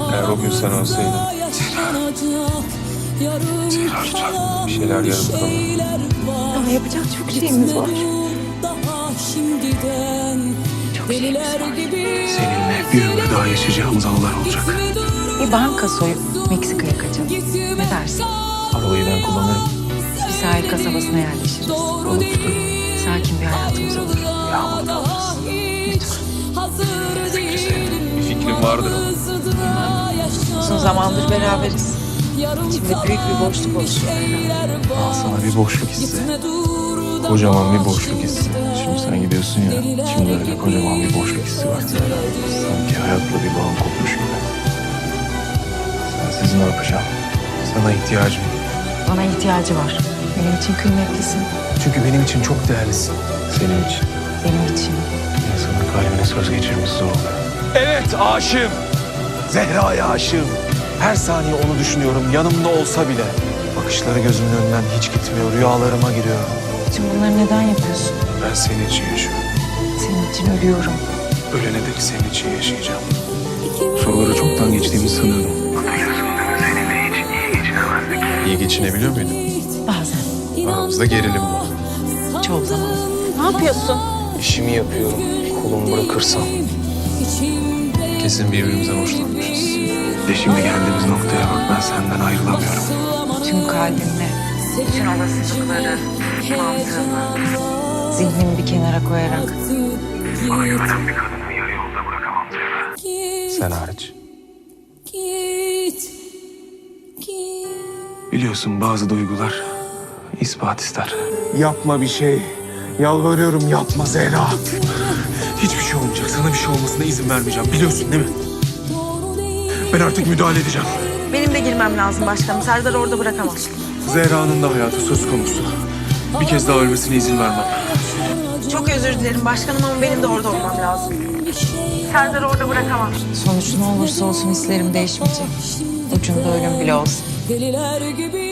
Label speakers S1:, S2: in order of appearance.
S1: Eğer o gün sen olsaydın. Zehra lütfen. Bir şeyler yarım kalır.
S2: Ama yapacak çok şeyimiz var. Çok şeyimiz var.
S1: Seninle bir ömür daha yaşayacağımız anılar olacak.
S2: Bir banka soyup Meksika'ya kaçalım. Ne dersin?
S1: Arabayı ben kullanırım.
S2: Bir sahil kasabasına yerleşiriz.
S1: Balık tutarım.
S2: Sakin bir hayatımız olur.
S1: Yağmur kalırız.
S2: Lütfen.
S1: Fikri senin. Bir fikrin vardır ama.
S2: Uzun zamandır beraberiz. İçimde büyük bir boşluk oluşuyor.
S1: Al sana bir boşluk hissi. Kocaman bir boşluk hissi. Şimdi sen gidiyorsun ya. Şimdi öyle kocaman bir boşluk hissi var. Sanki hayatla bir bağım kopmuş gibi. Sensiz ne yapacağım? Sana ihtiyacım.
S2: Bana ihtiyacı var. Benim için kıymetlisin.
S1: Çünkü benim için çok değerlisin. Senin için.
S2: Benim için.
S1: İnsanın kalbine söz geçirmesi zor oluyor. Evet, aşığım. Zehra'ya aşığım. Her saniye onu düşünüyorum, yanımda olsa bile. Bakışları gözümün önünden hiç gitmiyor, rüyalarıma giriyor.
S2: Bütün bunları neden yapıyorsun?
S1: Ben senin için yaşıyorum.
S2: Senin için ölüyorum.
S1: Ölene dek senin için yaşayacağım. Soruları çoktan geçtiğimi sanıyordum. Seninle hiç iyi geçinemezdik. İyi geçinebiliyor muydun?
S2: Bazen.
S1: Aramızda gerilim var.
S2: Çoğu zaman. Ne yapıyorsun?
S1: İşimi yapıyorum. Kolumu bırakırsam. Kesin birbirimizden hoşlanmışız. Ve şimdi geldiğimiz noktaya bak, ben senden ayrılamıyorum.
S2: Tüm kalbimle, bütün olasılıkları, mantığımı, zihnimi bir kenara koyarak.
S1: Bana güvenen bir kadını yarı yolda bırakamam Zehra. Sen hariç. Biliyorsun bazı duygular ispat ister. Yapma bir şey. Yalvarıyorum, yapma Zehra. Hiçbir şey olmayacak. Sana bir şey olmasına izin vermeyeceğim. Biliyorsun değil mi? Ben artık müdahale edeceğim.
S2: Benim de girmem lazım başkanım. Serdar'ı orada bırakamam.
S1: Zehra'nın da hayatı söz konusu. Bir kez daha ölmesine izin vermem.
S2: Çok özür dilerim başkanım ama benim de orada olmam lazım. Serdar'ı orada bırakamam. Sonuç ne olursa olsun hislerim değişmeyecek. Ucunda ölüm bile olsun.
S3: Deliler gibi